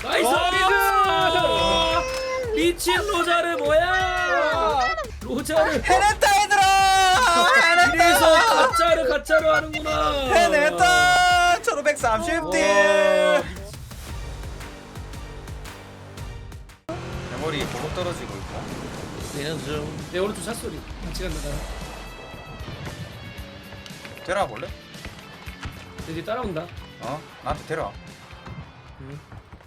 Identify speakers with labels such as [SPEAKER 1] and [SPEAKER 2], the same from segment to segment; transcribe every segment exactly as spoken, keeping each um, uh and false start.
[SPEAKER 1] 나이스 미드. 미친 로자르 뭐야? 로자르
[SPEAKER 2] 해냈다 얘들아.
[SPEAKER 1] 이래서
[SPEAKER 2] 해냈다.
[SPEAKER 1] 가짜를 가짜로 하는구나.
[SPEAKER 2] 해냈다. 천오백삼십 딜. 메모리 보고 떨어지고 있고.
[SPEAKER 1] 얘는 좀내 오른쪽 샷소리 같이 간다 나랑.
[SPEAKER 2] 데려와 볼래?
[SPEAKER 1] 이제 따라온다.
[SPEAKER 2] 어? 나한테 데려와.
[SPEAKER 1] 응.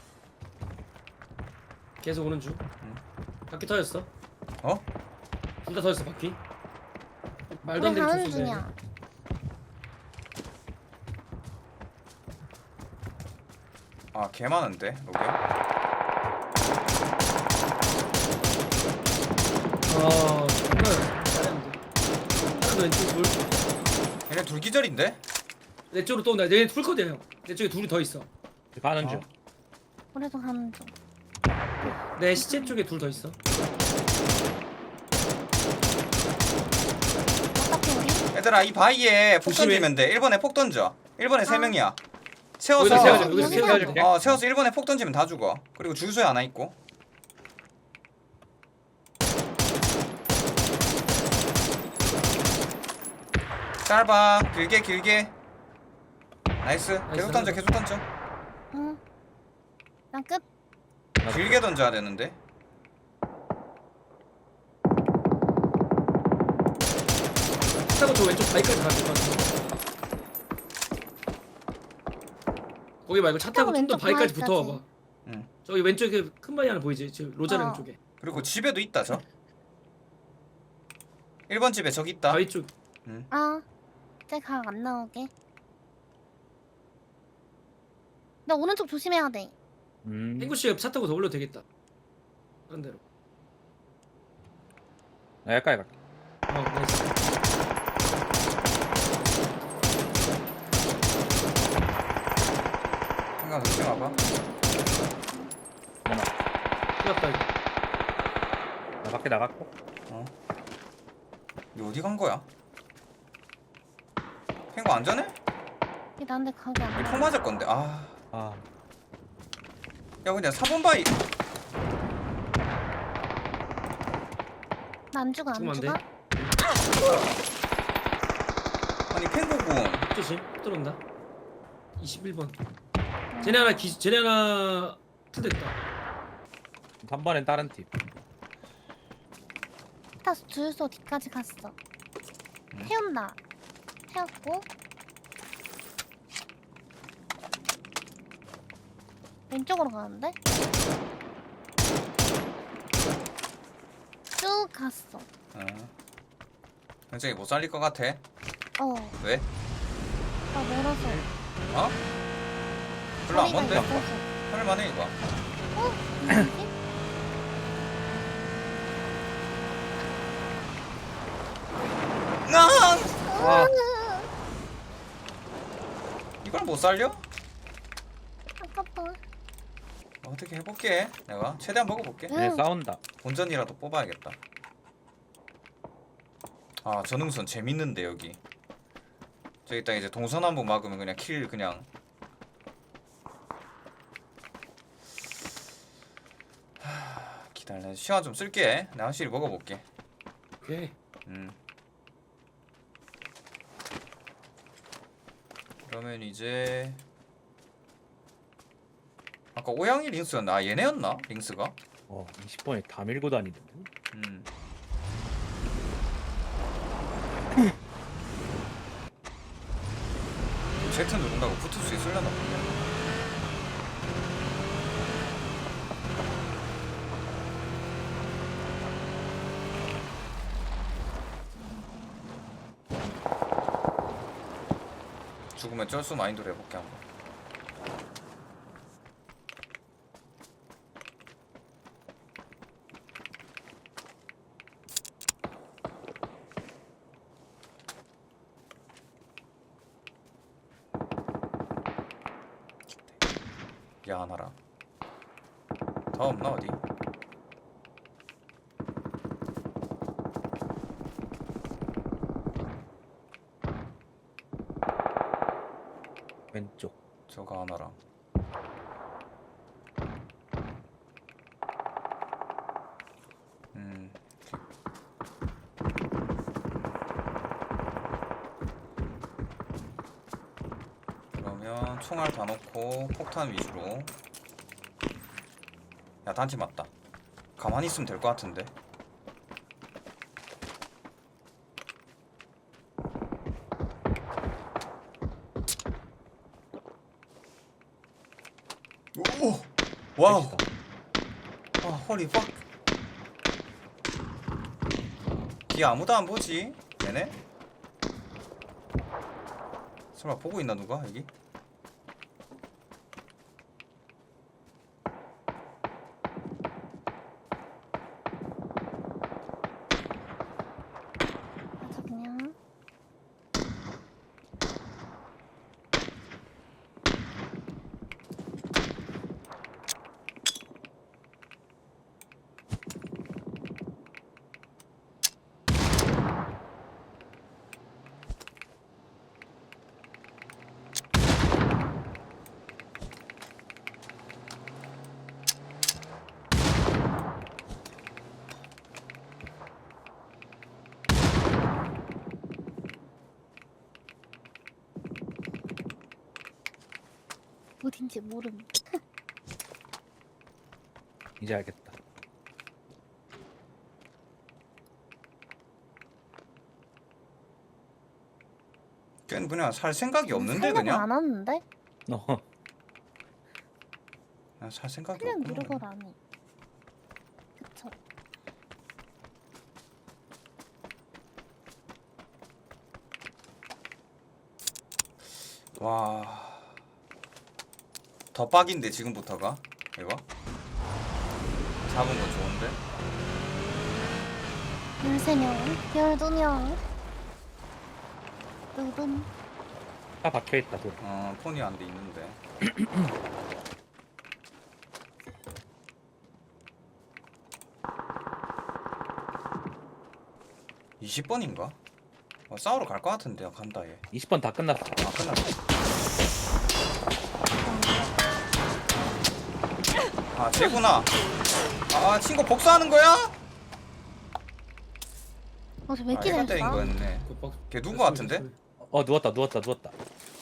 [SPEAKER 1] 계속 오는 중.
[SPEAKER 2] 응.
[SPEAKER 1] 바퀴 터졌어.
[SPEAKER 2] 어?
[SPEAKER 1] 둘 다 터졌어 바퀴. 말도 안
[SPEAKER 3] 우리
[SPEAKER 1] 되는
[SPEAKER 3] 가는
[SPEAKER 1] 총 쏜다.
[SPEAKER 3] 중이야.
[SPEAKER 2] 아, 개 많은데, 로게?
[SPEAKER 1] 아 정말 잘했는데. 하나도 왼쪽 둘.
[SPEAKER 2] 얘네 둘 기절인데?
[SPEAKER 1] 내 쪽으로 또 온다. 내 풀코드야 형. 내 쪽에 둘이 더 있어.
[SPEAKER 4] 가는 중.
[SPEAKER 2] 어.
[SPEAKER 3] 우리도 가는 중.
[SPEAKER 1] 내 시체 쪽에 둘 더 있어.
[SPEAKER 3] 어차피 우리
[SPEAKER 2] 얘들아, 이 바위에 폭
[SPEAKER 1] 조심해.
[SPEAKER 2] 던지면 돼. 일 번에 폭 던져. 일 번에 세
[SPEAKER 3] 아.
[SPEAKER 2] 명이야.
[SPEAKER 1] 여기다
[SPEAKER 2] 세워서
[SPEAKER 1] 세워줘. 여기다
[SPEAKER 3] 여기다
[SPEAKER 1] 세워줄게.
[SPEAKER 2] 어, 세워서 일 번에 폭 던지면 다 죽어. 그리고 주유소에 하나 있고. 짧아. 길게 길게. 나이스. 계속 던져. 계속 던져.
[SPEAKER 3] 응. 난 끝.
[SPEAKER 2] 길게 던져야 되는데.
[SPEAKER 1] 타고 저 왼쪽 바위까지 가야 될것 같아. 거기 말고 차 타고 좀 더
[SPEAKER 3] 왼쪽
[SPEAKER 1] 바위까지
[SPEAKER 3] 바위까지.
[SPEAKER 1] 붙어와봐.
[SPEAKER 2] 응.
[SPEAKER 1] 저기 왼쪽에 큰 바위 하나 보이지? 저 로자르
[SPEAKER 3] 어.
[SPEAKER 1] 쪽에.
[SPEAKER 2] 그리고 집에도 있다, 저. 일 번 집에 저기 있다.
[SPEAKER 1] 바위 쪽.
[SPEAKER 3] 아. 이제 각 안 나오게. 나 오른쪽 조심해야 돼.
[SPEAKER 4] 음.
[SPEAKER 1] 탱구 씨가 차 타고 더 올려도 되겠다. 다른 데로.
[SPEAKER 4] 나 여기까지 갈게.
[SPEAKER 1] 어, 나이스.
[SPEAKER 2] 생각 조심 와봐.
[SPEAKER 4] 내놔.
[SPEAKER 1] 큰일났다 이거.
[SPEAKER 4] 나 밖에 나갔고.
[SPEAKER 2] 어. 니 어디 간 거야? 탱고 안전해?
[SPEAKER 3] 이게 나한테 각이 안
[SPEAKER 2] 니
[SPEAKER 3] 나.
[SPEAKER 2] 폭 맞을 건데. 아.
[SPEAKER 4] 아.
[SPEAKER 2] 야, 그냥 사 번 바위.
[SPEAKER 3] 나안 죽어 안
[SPEAKER 1] 죽으면 안
[SPEAKER 3] 죽어?
[SPEAKER 1] 돼.
[SPEAKER 2] 아니, 탱고군.
[SPEAKER 1] 조심. 들어온다. 이십일 번. 쟤네 하나 기 쟤네 하나 틀됐다.
[SPEAKER 4] 삼 번엔 다른 팀.
[SPEAKER 3] 다 주유소 뒤까지 갔어.
[SPEAKER 2] 음.
[SPEAKER 3] 태운다. 태웠고. 왼쪽으로 가는데? 쭉 갔어.
[SPEAKER 2] 어. 굉장히 못 살릴 것 같아.
[SPEAKER 3] 어.
[SPEAKER 2] 왜?
[SPEAKER 3] 나 멀어서.
[SPEAKER 2] 어? 별로 안
[SPEAKER 3] 거리가
[SPEAKER 2] 먼데?
[SPEAKER 3] 있어서.
[SPEAKER 2] 할만해 이거.
[SPEAKER 3] 어? 뭐지?
[SPEAKER 2] 나
[SPEAKER 4] 와.
[SPEAKER 2] 이걸 못 살려?
[SPEAKER 3] 아깝다.
[SPEAKER 2] 어떻게 해볼게. 내가 최대한 먹어볼게.
[SPEAKER 3] 응.
[SPEAKER 4] 얘 싸운다.
[SPEAKER 2] 본전이라도 뽑아야겠다. 아, 전응선 재밌는데 여기. 저기 딱 이제 동선 한번 막으면 그냥 킬 그냥. 하, 기다려. 시간 좀 쓸게. 내가 확실히 먹어볼게.
[SPEAKER 1] 오케이.
[SPEAKER 2] 음. 그러면 이제 아까 오양이 링스였나? 아, 얘네였나? 링스가?
[SPEAKER 4] 어, 이십 번에 다 밀고 다니는데.
[SPEAKER 2] 음. Z 누른다고 붙을 수 있으려나 보네. 죽으면 쩔수 마인드로 해볼게 한번. 야, 하나라. 더 없나 어디?
[SPEAKER 4] 왼쪽.
[SPEAKER 2] 저거 하나랑. 총알 다 넣고 폭탄 위주로. 야 단지 맞다. 가만히 있으면 될 것 같은데. 오! 와우!
[SPEAKER 4] 셋이다.
[SPEAKER 2] 아 허리 팍! 뒤 아무도 안 보지? 얘네? 설마 보고 있나 누가 여기?
[SPEAKER 3] 맞아 그냥. 어딘지 모름.
[SPEAKER 4] 이제 알겠다.
[SPEAKER 2] 걘 그냥 살 생각이 없는데
[SPEAKER 3] 생각
[SPEAKER 2] 그냥?
[SPEAKER 3] 안 하는데?
[SPEAKER 4] 어.
[SPEAKER 2] 그냥 살 생각이
[SPEAKER 3] 그냥
[SPEAKER 2] 없구나.
[SPEAKER 3] 누르걸 안 해. 그쵸?
[SPEAKER 2] 와... 더 빡인데 지금부터가? 이거? 잡은 건 좋은데?
[SPEAKER 3] 열세 명, 열두 명. 누군?
[SPEAKER 4] 다 박혀 있다. 돌.
[SPEAKER 2] 어 폰이 안 돼 있는데. 이십 번인가? 어, 싸우러 갈 것 같은데요. 간다 얘.
[SPEAKER 4] 이십 번 다 끝났어.
[SPEAKER 2] 아 끝났어. 아 쟤구나. 아 친구 복수하는 거야?
[SPEAKER 3] 어제 왜
[SPEAKER 2] 아
[SPEAKER 3] 이렇게
[SPEAKER 2] 얘가
[SPEAKER 3] 잘
[SPEAKER 2] 때린
[SPEAKER 3] 쏴?
[SPEAKER 2] 거였네.
[SPEAKER 1] 그 박-
[SPEAKER 2] 걔 누군 거 같은데?
[SPEAKER 4] 어 누웠다 누웠다 누웠다.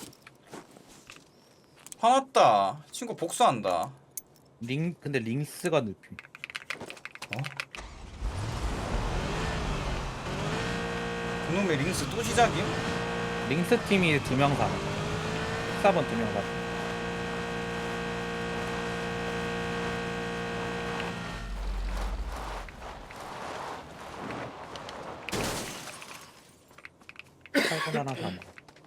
[SPEAKER 2] 화났다. 친구 복수한다.
[SPEAKER 4] 링 근데 링스가 눕힘.
[SPEAKER 2] 어? 그놈의 링스 또 시작임?
[SPEAKER 4] 링스 팀이 두 명 사. 십사 번 두 명 사. 팔 번 하나 사.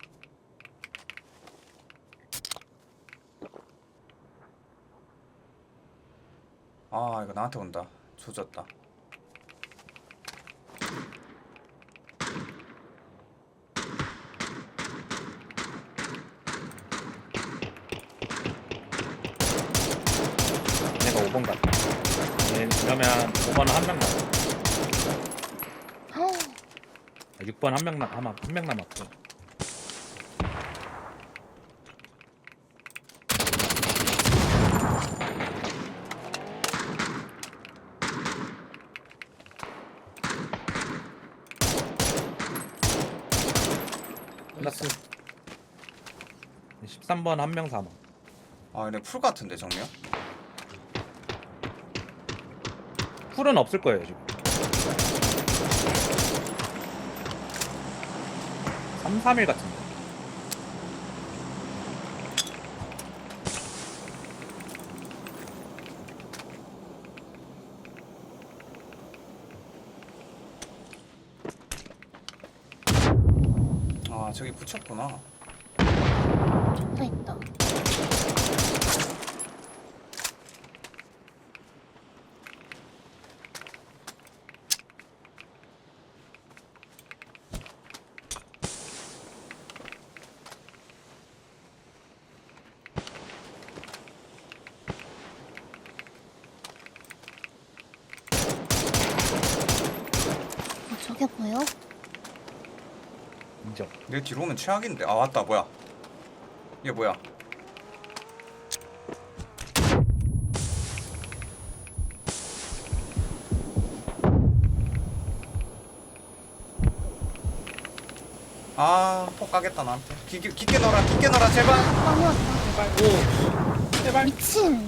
[SPEAKER 2] 아 이거 나한테 온다. 조졌다.
[SPEAKER 4] 내가 오 번 갔다. 얘 그러면 오 번은 한 명 남았어. 육 번 한 명 남, 아마 한 명 남았고. 끝났어. 십삼 번 한 명 사망.
[SPEAKER 2] 아 얘네 풀 같은데 정면?
[SPEAKER 4] 풀은 없을 거예요 지금. 삼, 삼 일 같은데.
[SPEAKER 2] 아 저기 붙였구나.
[SPEAKER 3] 붙어 있다. 어, 저게 보여?
[SPEAKER 4] 인정.
[SPEAKER 2] 내 뒤로 오면 최악인데. 아 왔다 뭐야? 얘 뭐야? 아, 폭 가겠다 나한테. 깊게 깊게 넣어라, 깊게 넣어라 제발.
[SPEAKER 3] 많이 왔다.
[SPEAKER 4] 제발
[SPEAKER 1] 오.
[SPEAKER 4] 제발.
[SPEAKER 3] 미친.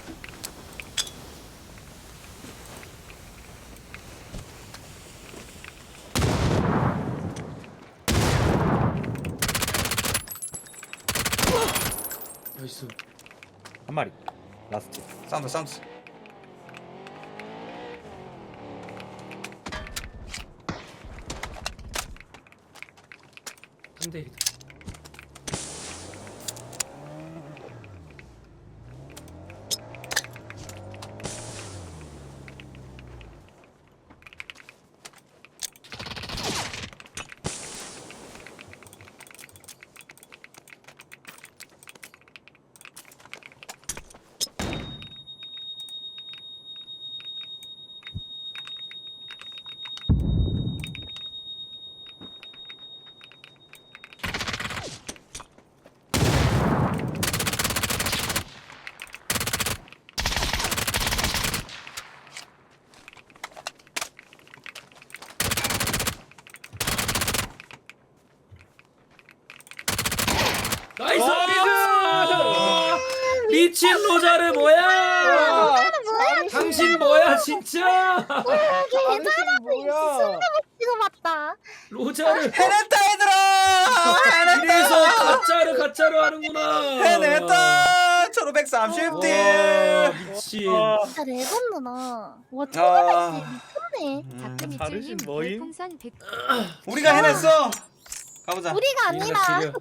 [SPEAKER 1] 나이스.
[SPEAKER 4] 한 마리. 라스트.
[SPEAKER 2] 사운드 사운드.
[SPEAKER 1] 삼 대 일이다. 나이스!
[SPEAKER 4] 와!
[SPEAKER 1] 미친 로자르 뭐야?
[SPEAKER 3] 뭐야?
[SPEAKER 1] 당신 뭐야 진짜?
[SPEAKER 4] 당신 뭐야?
[SPEAKER 3] 이거 맞다.
[SPEAKER 1] 로자르
[SPEAKER 2] 해냈다 얘들아.
[SPEAKER 1] 이래서
[SPEAKER 2] 해냈다.
[SPEAKER 1] 가짜를 가짜로 하는구나.
[SPEAKER 2] 해냈다. 천오백삼십 딜.
[SPEAKER 1] 와 미친.
[SPEAKER 4] 와,
[SPEAKER 3] 진짜 레전드다. 와
[SPEAKER 2] 아.
[SPEAKER 3] 초반에 미쳤네.
[SPEAKER 2] 음,
[SPEAKER 4] 자르신 뭐임?
[SPEAKER 5] 별풍선 백
[SPEAKER 2] 우리가 해냈어. 가보자.
[SPEAKER 3] 우리가 아니라.
[SPEAKER 1] 지려.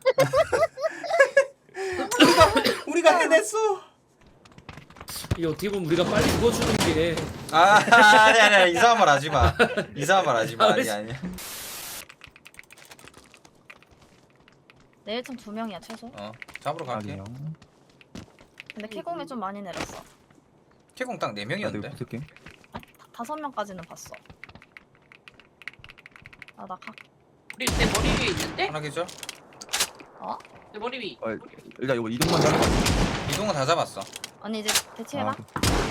[SPEAKER 2] 우리가 해냈어.
[SPEAKER 1] 이게 어떻게 보면 우리가 빨리 죽어주는 게
[SPEAKER 2] 아 아니 아니 이상한 말 하지 마. 이상한 말 하지 마. 아니 아니.
[SPEAKER 5] 내일 좀 두 명이야 최소.
[SPEAKER 2] 어 잡으러 갈게.
[SPEAKER 5] 근데 캐공에 좀 많이 내렸어.
[SPEAKER 2] 캐공 딱 네 명이었는데.
[SPEAKER 6] 붙을게.
[SPEAKER 5] 다- 다섯 명까지는 봤어. 아나 각.
[SPEAKER 7] 우리 내 머리 위에 있는데?
[SPEAKER 2] 하나 계절.
[SPEAKER 5] 어?
[SPEAKER 7] 내 머리 위.
[SPEAKER 6] 어, 일단 이거 이동만 잘.
[SPEAKER 2] 이동은 다 잡았어.
[SPEAKER 5] 언니 이제 대치해봐.
[SPEAKER 6] 아,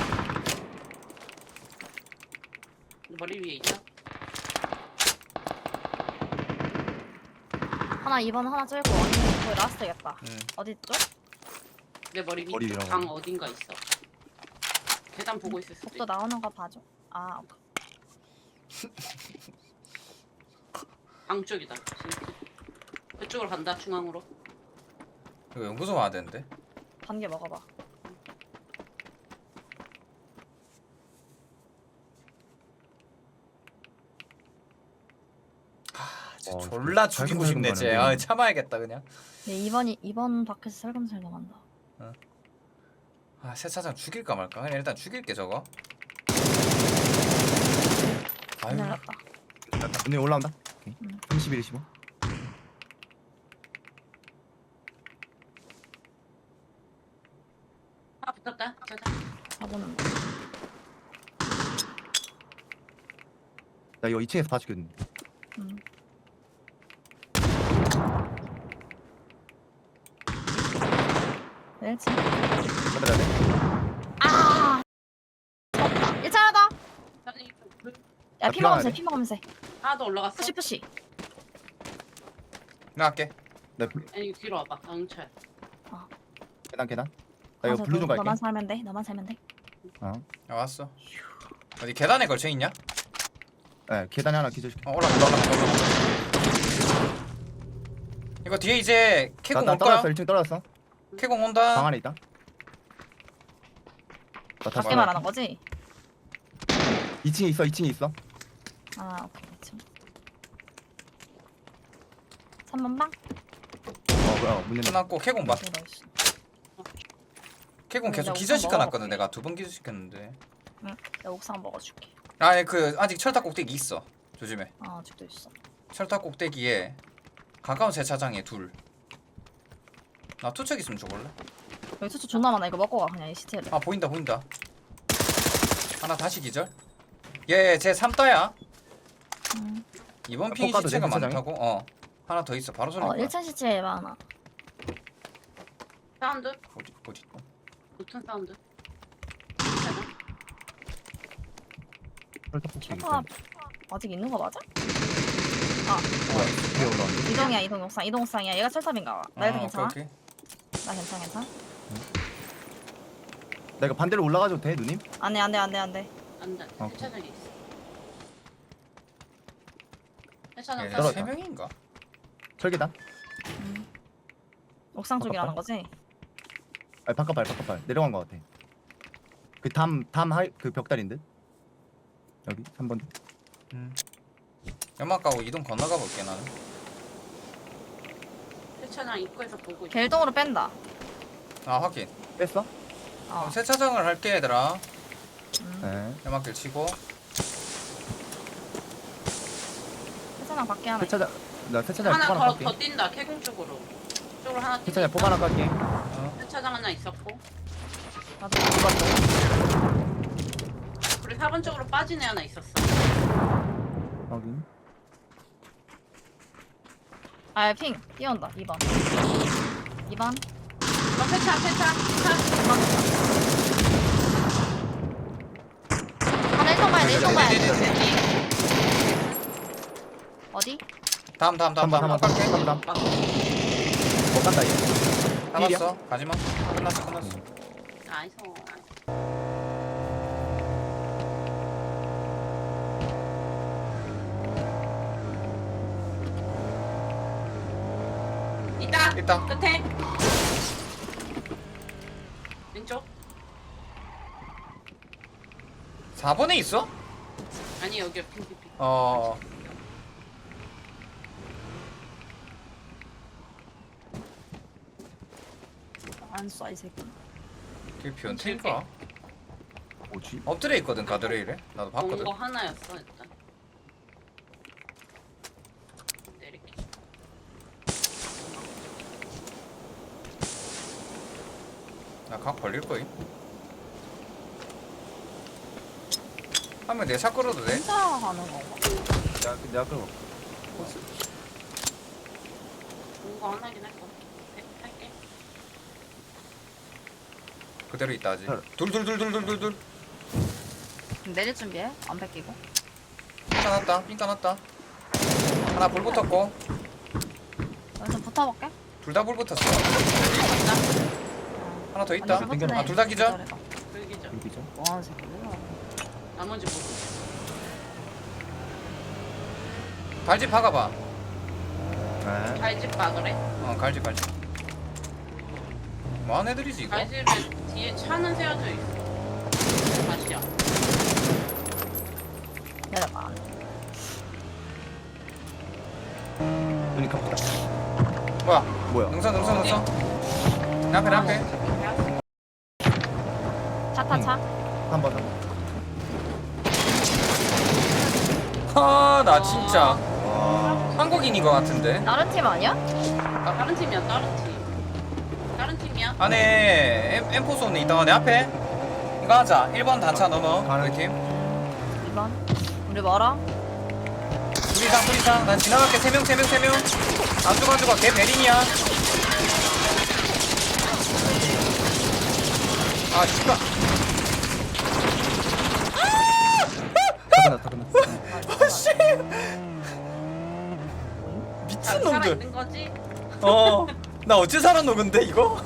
[SPEAKER 7] 내 머리 위에 있다.
[SPEAKER 5] 하나 이 번 하나 찔고 언니 거의 라스트겠다.
[SPEAKER 2] 음.
[SPEAKER 5] 어디 쪽?
[SPEAKER 7] 내 머리
[SPEAKER 6] 머리
[SPEAKER 7] 밑
[SPEAKER 6] 위라고.
[SPEAKER 7] 방 어딘가 있어. 계단 보고 있을 수도
[SPEAKER 5] 복도
[SPEAKER 7] 있다.
[SPEAKER 5] 나오는 거 봐줘. 아 오케이.
[SPEAKER 7] 방 쪽이다. 그쪽으로 간다. 중앙으로.
[SPEAKER 2] 이거 연구소 와야 되는데.
[SPEAKER 5] 반개 먹어봐.
[SPEAKER 2] 진짜
[SPEAKER 6] 어,
[SPEAKER 2] 졸라
[SPEAKER 6] 잘
[SPEAKER 2] 죽이고 싶네 쟤.
[SPEAKER 6] 생각하는
[SPEAKER 2] 아 참아야겠다 그냥.
[SPEAKER 5] 얘 이번이 이번 밖에서 살금살금 한다.
[SPEAKER 2] 아 세차장 죽일까 말까. 그냥 일단 죽일게 저거. 아유.
[SPEAKER 5] 기다렸다.
[SPEAKER 6] 언니 올라온다.
[SPEAKER 5] 응.
[SPEAKER 6] 삼십일, 이십오.
[SPEAKER 7] 아 붙었다. 자자.
[SPEAKER 5] 가보는 거.
[SPEAKER 6] 나 이거 이 층에서 다 죽였는데.
[SPEAKER 5] 음. 일 층.
[SPEAKER 6] 받아야 돼.
[SPEAKER 5] 아. 졌다. 일 층 하나 더.
[SPEAKER 7] 아니, 그-
[SPEAKER 5] 야
[SPEAKER 6] 아,
[SPEAKER 5] 피 먹으면서
[SPEAKER 6] 피가
[SPEAKER 5] 해, 피 먹으면서 해.
[SPEAKER 7] 하나 더 올라갔어.
[SPEAKER 5] 푸시 푸시.
[SPEAKER 2] 나 할게.
[SPEAKER 6] 나 블-
[SPEAKER 7] 아니 뒤로 와봐. 강철.
[SPEAKER 6] 계단 계단. 나 이거 블루 좀 갈게.
[SPEAKER 5] 너만 살면 돼. 너만 살면 돼.
[SPEAKER 6] 어.
[SPEAKER 2] 야 왔어. 어디 계단에 걸쳐 있냐?
[SPEAKER 6] 네, 계단에 하나 기절시켜.
[SPEAKER 2] 어 올라간다 올라간다 올라간다. 이거 뒤에 이제
[SPEAKER 6] 나,
[SPEAKER 2] 캐공
[SPEAKER 6] 나
[SPEAKER 2] 올 거야.
[SPEAKER 6] 떨어졌어. 일 층 떨어졌어.
[SPEAKER 2] 캐공 온다.
[SPEAKER 6] 방 안에 있다. 나 다시
[SPEAKER 5] 밖에 말하는 거지?
[SPEAKER 6] 이 층에 있어. 이 층에 있어.
[SPEAKER 5] 아 오케이 이 삼 번 방?
[SPEAKER 6] 어, 뭐야? 문 열려.
[SPEAKER 2] 끝났고 캐공 봐.
[SPEAKER 5] 어디 넣었어?
[SPEAKER 2] 캐공
[SPEAKER 5] 그래,
[SPEAKER 2] 계속
[SPEAKER 5] 나
[SPEAKER 2] 기절시켜
[SPEAKER 5] 우선
[SPEAKER 2] 놨거든.
[SPEAKER 5] 먹어볼게.
[SPEAKER 2] 내가 두 번 기절시켰는데.
[SPEAKER 5] 내가 옥상 먹어줄게.
[SPEAKER 2] 아니 그 아직 철탑 꼭대기 있어. 조심해.
[SPEAKER 5] 아 아직도 있어.
[SPEAKER 2] 철탑 꼭대기에 가까운 세차장에 둘. 나 투척 있으면 줘볼래?
[SPEAKER 5] 여기 수초 존나 많아. 이거 먹고 가 그냥 이 시체를.
[SPEAKER 2] 아 보인다 보인다. 하나 다시 기절. 얘쟤 삼따야.
[SPEAKER 5] 음.
[SPEAKER 2] 이번
[SPEAKER 6] 아,
[SPEAKER 2] 핑이
[SPEAKER 6] 볶아도
[SPEAKER 2] 시체가
[SPEAKER 6] 돼, 세차장에?
[SPEAKER 2] 많다고? 어. 하나 더 있어. 바로 쏠릴
[SPEAKER 5] 어
[SPEAKER 2] 거야.
[SPEAKER 5] 일 층 시체에 많아.
[SPEAKER 7] 사운드.
[SPEAKER 2] 어디 어디? 어.
[SPEAKER 7] 붙은 사운드. 괜찮아?
[SPEAKER 6] 철탑
[SPEAKER 5] 슈퍼 아직 있는 거 맞아?
[SPEAKER 6] 위에 올라온다.
[SPEAKER 5] 이동이야 이동 옥상 이동 옥상이야. 얘가 철탑인가 봐. 나 일단
[SPEAKER 2] 아,
[SPEAKER 5] 괜찮아?
[SPEAKER 2] 오케이, 오케이.
[SPEAKER 5] 나 괜찮아 괜찮아.
[SPEAKER 6] 나 이거 반대로 올라가도 돼 누님?
[SPEAKER 5] 안돼 안돼 안돼 안돼.
[SPEAKER 7] 안돼.
[SPEAKER 6] 어.
[SPEAKER 7] 세차장에 있어. 세차장
[SPEAKER 2] 얘네
[SPEAKER 7] 따로
[SPEAKER 2] 세 명인가?
[SPEAKER 6] 철계단?
[SPEAKER 5] 옥상 쪽이라는
[SPEAKER 6] 바깥발?
[SPEAKER 5] 거지?
[SPEAKER 6] 아니 바깥발 바깥발 내려간 거 같아. 그 담 담 하이 그 벽다리인 듯. 여기 삼 번.
[SPEAKER 2] 음. 연막 가고 이동 건너가 볼게 나는.
[SPEAKER 7] 세차장 입구에서 보고 있어.
[SPEAKER 5] 갤동으로 뺀다.
[SPEAKER 2] 아 확인.
[SPEAKER 6] 뺐어?
[SPEAKER 5] 어.
[SPEAKER 2] 그럼 세차장을 할게 얘들아.
[SPEAKER 5] 음.
[SPEAKER 6] 네.
[SPEAKER 2] 연막길 치고.
[SPEAKER 5] 세차장 밖에 하나.
[SPEAKER 6] 세차장 나 세차장 포
[SPEAKER 7] 하나
[SPEAKER 6] 하나
[SPEAKER 7] 더,
[SPEAKER 6] 깔게.
[SPEAKER 7] 더 뛴다. 캐공 쪽으로. 쪽으로 하나 뛴다.
[SPEAKER 6] 세차장 포 하나 깔게.
[SPEAKER 7] 세차장 하나 있었고.
[SPEAKER 5] 나도.
[SPEAKER 7] 우리 사 번 쪽으로 빠진 애 하나 있었어.
[SPEAKER 6] 확인.
[SPEAKER 5] 아 핑. 뛰어온다. 이 번. 이 번.
[SPEAKER 7] 너 세차 세차 세차.
[SPEAKER 5] 하나 일동 봐야 돼. 일동 봐야 돼. 어디?
[SPEAKER 2] 다음 다음 다음
[SPEAKER 6] 한번
[SPEAKER 2] 다음
[SPEAKER 6] 한번
[SPEAKER 2] 갈게.
[SPEAKER 6] 한번 더. 못 간다 이거. 필이야?
[SPEAKER 2] 잡았어. 가지마. 끝났어 끝났어.
[SPEAKER 7] 나이스. 있다.
[SPEAKER 2] 있다.
[SPEAKER 7] 끝에. 왼쪽.
[SPEAKER 2] 사 번에 있어?
[SPEAKER 7] 아니 여기 핑핑핑.
[SPEAKER 2] 어.
[SPEAKER 5] 안 쏴 이 새끼.
[SPEAKER 2] 그 변태인가?
[SPEAKER 6] 뭐지?
[SPEAKER 2] 엎드려 있거든 가드레일에. 나도 봤거든.
[SPEAKER 7] 본거 하나였어 일단. 내릴게.
[SPEAKER 2] 나 각 벌릴 거임. 하면 내 차 끌어도 돼?
[SPEAKER 5] 혼자 하는 건가?
[SPEAKER 6] 내가 내가 끌어.
[SPEAKER 7] 본거 하나긴 할 거. 네, 할게.
[SPEAKER 2] 그대로 있다 아직.
[SPEAKER 6] 헐.
[SPEAKER 2] 둘둘둘둘둘둘.
[SPEAKER 5] 내릴 준비해. 안 뺏기고.
[SPEAKER 2] 핑까 났다. 핑까 났다. 하나 불 붙었고
[SPEAKER 5] 여기 좀 붙어볼게.
[SPEAKER 2] 둘 다 불 붙었어.
[SPEAKER 7] 맞다.
[SPEAKER 2] 하나 더 있다.
[SPEAKER 5] 완전 붙네.
[SPEAKER 2] 아 둘 다 기절.
[SPEAKER 5] 기절해봐.
[SPEAKER 7] 불기죠.
[SPEAKER 6] 여기죠.
[SPEAKER 5] 뭐하는 새끼야?
[SPEAKER 7] 나머지 모르.
[SPEAKER 2] 갈집 박아봐.
[SPEAKER 6] 네.
[SPEAKER 7] 갈집 박으래.
[SPEAKER 2] 어 갈집 갈집. 뭐하는 애들이지 이거?
[SPEAKER 7] 갈집에 뒤에 차는 세워져 있어. 다시야.
[SPEAKER 5] 내려봐.
[SPEAKER 6] 눈이 깜빡.
[SPEAKER 2] 뭐야?
[SPEAKER 6] 뭐야?
[SPEAKER 2] 능선 능선 능선. 내 앞에 내 앞에.
[SPEAKER 5] 차 타 차.
[SPEAKER 6] 한 번. 한 번.
[SPEAKER 2] 하나 진짜
[SPEAKER 6] 와.
[SPEAKER 2] 한국인인 것 같은데.
[SPEAKER 5] 다른 팀 아니야?
[SPEAKER 7] 아, 다른 팀이야, 다른 팀. 다른 팀이야.
[SPEAKER 2] 안에 엠, 엠포 쏘는 있다. 내 앞에. 이거 하자. 일 번 단차 넘어.
[SPEAKER 6] 가는
[SPEAKER 2] 우리 팀.
[SPEAKER 5] 이 번. 우리 멀어?
[SPEAKER 2] 둘 이상 둘 이상. 난 지나갈게. 세 명 세 명 세 명. 안 죽어 안 죽어. 걔 베린이야. 아 씨발.
[SPEAKER 6] 다 끝났다. 다 끝났어.
[SPEAKER 2] 씨. 미친
[SPEAKER 7] 살아
[SPEAKER 2] 놈들.
[SPEAKER 7] 있는 거지?
[SPEAKER 2] 어. 나 어째 살았노 근데 이거?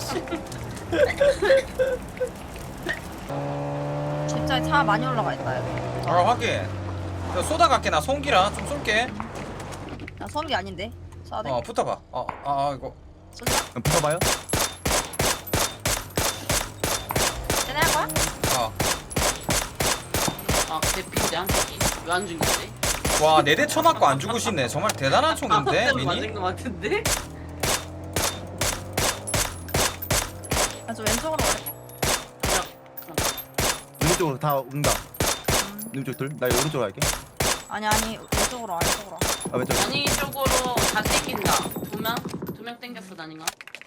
[SPEAKER 5] 집자에 차 많이 올라가 있다 여기.
[SPEAKER 2] 아 확인. 저 쏘다 갈게. 나 송기라 좀 쏠게.
[SPEAKER 5] 나 소음기 아닌데. 쏴야 돼.
[SPEAKER 2] 어 붙어봐. 어, 아, 아 이거.
[SPEAKER 5] 쏜다.
[SPEAKER 6] 그럼 붙어봐요.
[SPEAKER 5] 쟤네 할 거야?
[SPEAKER 2] 어.
[SPEAKER 7] 아, 대피인데 한 새끼. 왜 안 죽이지?
[SPEAKER 2] 와 네 대 쳐맞고 안 죽으시네. 정말 대단한 총인데
[SPEAKER 7] 아,
[SPEAKER 2] 미니.
[SPEAKER 7] 맞은 거 같은데?
[SPEAKER 5] 나좀 왼쪽으로 갈게.
[SPEAKER 6] 눈 쪽으로 다 온다. 눈 쪽 둘. 나 오른쪽으로 갈게.
[SPEAKER 5] 아니 아니 왼쪽으로 와 왼쪽으로 와.
[SPEAKER 6] 아 왼쪽.
[SPEAKER 7] 아니 쪽으로 다 땡긴다. 두 명? 두 명 땡겼어, 나닌가?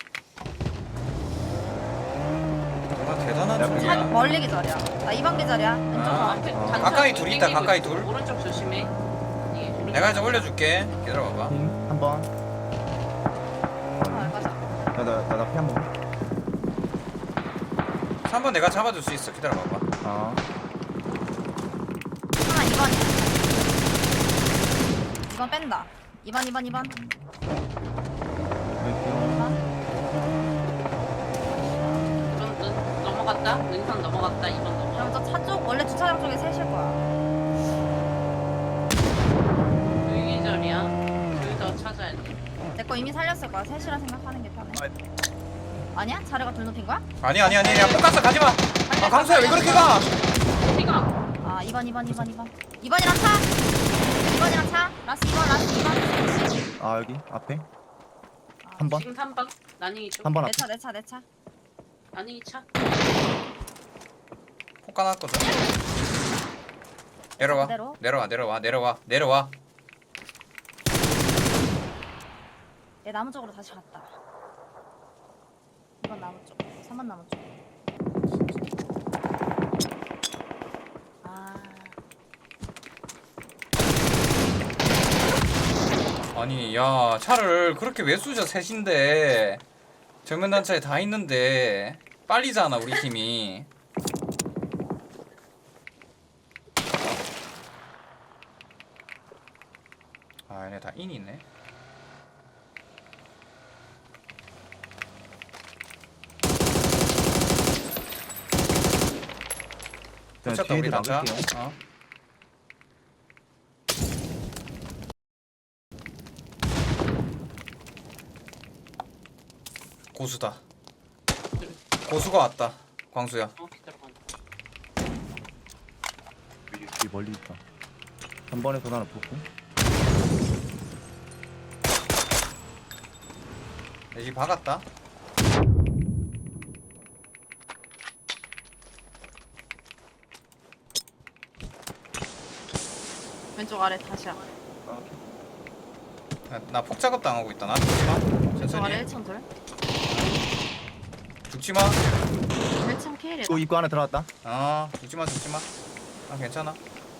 [SPEAKER 2] 정말 대단한
[SPEAKER 6] 야,
[SPEAKER 5] 차
[SPEAKER 2] 총이야.
[SPEAKER 5] 멀리 기절이야. 나 이 번 기절이야. 왼쪽으로
[SPEAKER 2] 아.
[SPEAKER 5] 와.
[SPEAKER 7] 앞에
[SPEAKER 2] 어.
[SPEAKER 7] 단차
[SPEAKER 2] 가까이
[SPEAKER 7] 둘
[SPEAKER 2] 둘 있다,
[SPEAKER 7] 땡기고
[SPEAKER 2] 가까이
[SPEAKER 7] 있어.
[SPEAKER 2] 둘.
[SPEAKER 7] 오른쪽 조심해. 이게
[SPEAKER 2] 내가 이제 올려줄게. 기다려봐봐.
[SPEAKER 6] 한 번.
[SPEAKER 5] 아, 가자.
[SPEAKER 6] 나나나피 한 번.
[SPEAKER 2] 삼 번 내가 잡아줄 수 있어. 기다려봐봐.
[SPEAKER 6] 아.
[SPEAKER 5] 하나 이 번이야. 이 번 뺀다. 이 번 이 번 이 번.
[SPEAKER 6] 왼쪽.
[SPEAKER 7] 넘어갔다. 능선 넘어갔다. 이 번 넘어갔다.
[SPEAKER 5] 그럼 저 차 쪽 원래 주차장 쪽에 셋일 거야.
[SPEAKER 7] 유기절이야. 둘 더 찾아야 돼.
[SPEAKER 5] 내 거 이미 살렸을 거야. 셋이라 생각하는 게 편해. 아니야? 자네가 둘 높인 거야?
[SPEAKER 2] 아니 아니 아니 야 똑같어 가지마. 아 강수야 왜 그렇게 가?
[SPEAKER 7] 어디가?
[SPEAKER 5] 아 이 번 이 번 이 번 이 번 이 번이랑 차. 이 번이랑 차. 라스 이 번 라스 이 번.
[SPEAKER 6] 아 여기 앞에
[SPEAKER 5] 아,
[SPEAKER 6] 한 번?
[SPEAKER 7] 지금 삼 번. 나닝이 쪽.
[SPEAKER 6] 한 번
[SPEAKER 5] 내
[SPEAKER 6] 앞에
[SPEAKER 5] 차 내 차 내 차.
[SPEAKER 7] 나닝이 차.
[SPEAKER 2] 폭 까놨거든. 내려와
[SPEAKER 5] 그대로?
[SPEAKER 2] 내려와 내려와 내려와 내려와.
[SPEAKER 5] 얘 나무 쪽으로 다시 갔다. 이 번 나무 쪽. 삼 번 나무 쪽. 아.
[SPEAKER 2] 아니 야 차를 그렇게 왜 쑤셔 셋인데 정면 단차에 다 있는데 빨리잖아 우리 팀이. 아 얘네 다 인이네.
[SPEAKER 6] 그냥
[SPEAKER 2] 붙였다 우리
[SPEAKER 6] 뒤에도
[SPEAKER 2] 단차.
[SPEAKER 6] 나갈게요.
[SPEAKER 2] 어. 고수다. 고수가 왔다. 광수야.
[SPEAKER 7] 어 기다려봐.
[SPEAKER 6] 여기 멀리 있다. 한 번에서 하나 붙고
[SPEAKER 2] 내 집 박았다.
[SPEAKER 5] 왼쪽 아래 다시야.
[SPEAKER 2] 나 폭 작업 당하고 있다. 나 죽지 마.
[SPEAKER 5] 왼쪽
[SPEAKER 2] 천천히.
[SPEAKER 5] 아래 일 층 돌.
[SPEAKER 2] 죽지 마.
[SPEAKER 5] 일 층 케일이다.
[SPEAKER 6] 또 입구 하나 들어갔다.
[SPEAKER 2] 어 죽지 마 죽지 마. 아 괜찮아.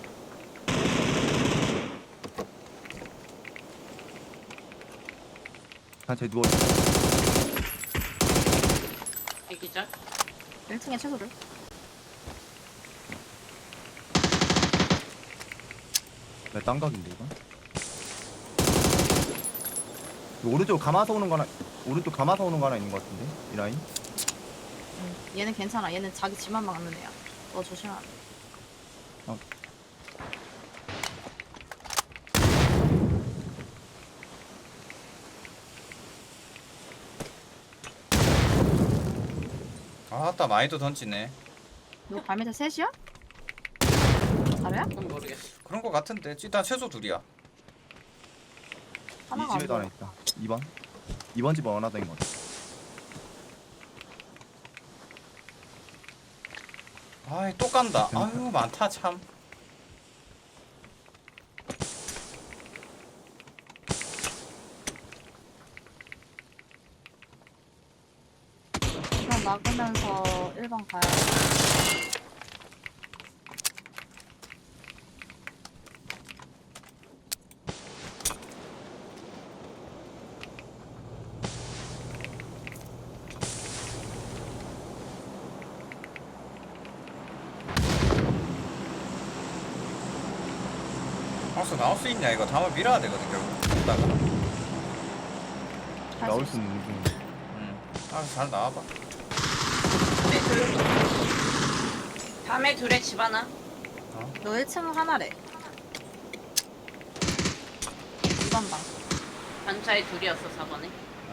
[SPEAKER 6] 단체 누워.
[SPEAKER 7] 애기절.
[SPEAKER 5] 일 층에 최소들.
[SPEAKER 6] 내 땅각인데 이거. 이거 오른쪽 감아서 오는 거 하나, 오른쪽 감아서 오는 거 하나 있는 거 같은데 이 라인.
[SPEAKER 5] 응. 얘는 괜찮아. 얘는 자기 집만 막는 애야. 너 조심해야 돼.
[SPEAKER 6] 어.
[SPEAKER 2] 아따 많이도 던지네.
[SPEAKER 5] 너 발밑에 셋이야? 자료야?
[SPEAKER 7] 그건 모르겠어.
[SPEAKER 2] 그런 거 같은데 일단 최소 둘이야.
[SPEAKER 6] 이
[SPEAKER 5] 하나가 안
[SPEAKER 6] 집에도 하나
[SPEAKER 5] 보여.
[SPEAKER 6] 있다. 이 번. 이 번 집 원하다인 거 같아.
[SPEAKER 2] 아이 또 간다. 아유 많다 참.
[SPEAKER 5] 그럼 막으면서 일 번 가야 돼.
[SPEAKER 2] 광수 나올 수 있냐 이거 다음에 밀어야 되거든 결국. 이따가.
[SPEAKER 5] 할
[SPEAKER 6] 나올
[SPEAKER 5] 수
[SPEAKER 6] 수 있는 중.
[SPEAKER 2] 응. 알아서 잘 나와봐.
[SPEAKER 7] 네, 둘. 다음에 둘에 집 하나.
[SPEAKER 5] 너 일 층 하나래. 이 번 방.
[SPEAKER 7] 단차에 둘이었어 사 번에.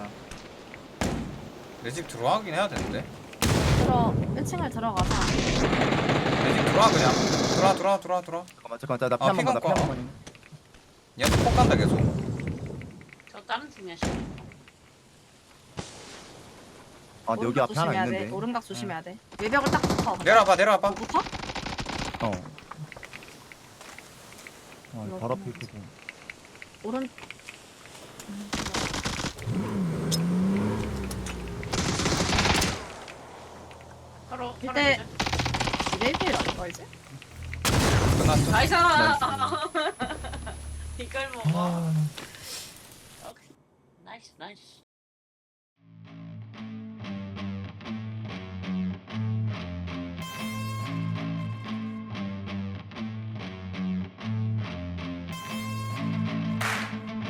[SPEAKER 2] 내 집 들어가긴 해야 되는데.
[SPEAKER 5] 들어 일 층을 들어가서
[SPEAKER 2] 내 집 들어와 그냥. 들어와 들어와 들어와 들어와.
[SPEAKER 6] 잠깐만 잠깐만 나 피
[SPEAKER 2] 아,
[SPEAKER 6] 한 번만 나 피 한
[SPEAKER 2] 피가
[SPEAKER 6] 번만.
[SPEAKER 2] 얘한테 폭 간다 계속.
[SPEAKER 7] 저 다른 팀이야 씨.
[SPEAKER 6] 아 근데 여기
[SPEAKER 5] 오른각
[SPEAKER 6] 앞에 하나
[SPEAKER 5] 조심해야
[SPEAKER 6] 있는데.
[SPEAKER 5] 돼. 오른각 조심해야 돼. 외벽을 딱 붙어.
[SPEAKER 2] 내려와봐 내려와봐.
[SPEAKER 5] 붙어?
[SPEAKER 6] 어. 아 바로 앞에 있고.
[SPEAKER 5] 오른
[SPEAKER 7] 서로 서로
[SPEAKER 5] 이때-
[SPEAKER 7] 기절.
[SPEAKER 5] 일 대 일 아닐까 이제?
[SPEAKER 2] 끝났어.
[SPEAKER 7] 나이스.
[SPEAKER 6] 나이스.
[SPEAKER 7] 이걸 먹어.
[SPEAKER 6] 아.
[SPEAKER 7] 나이스 나이스.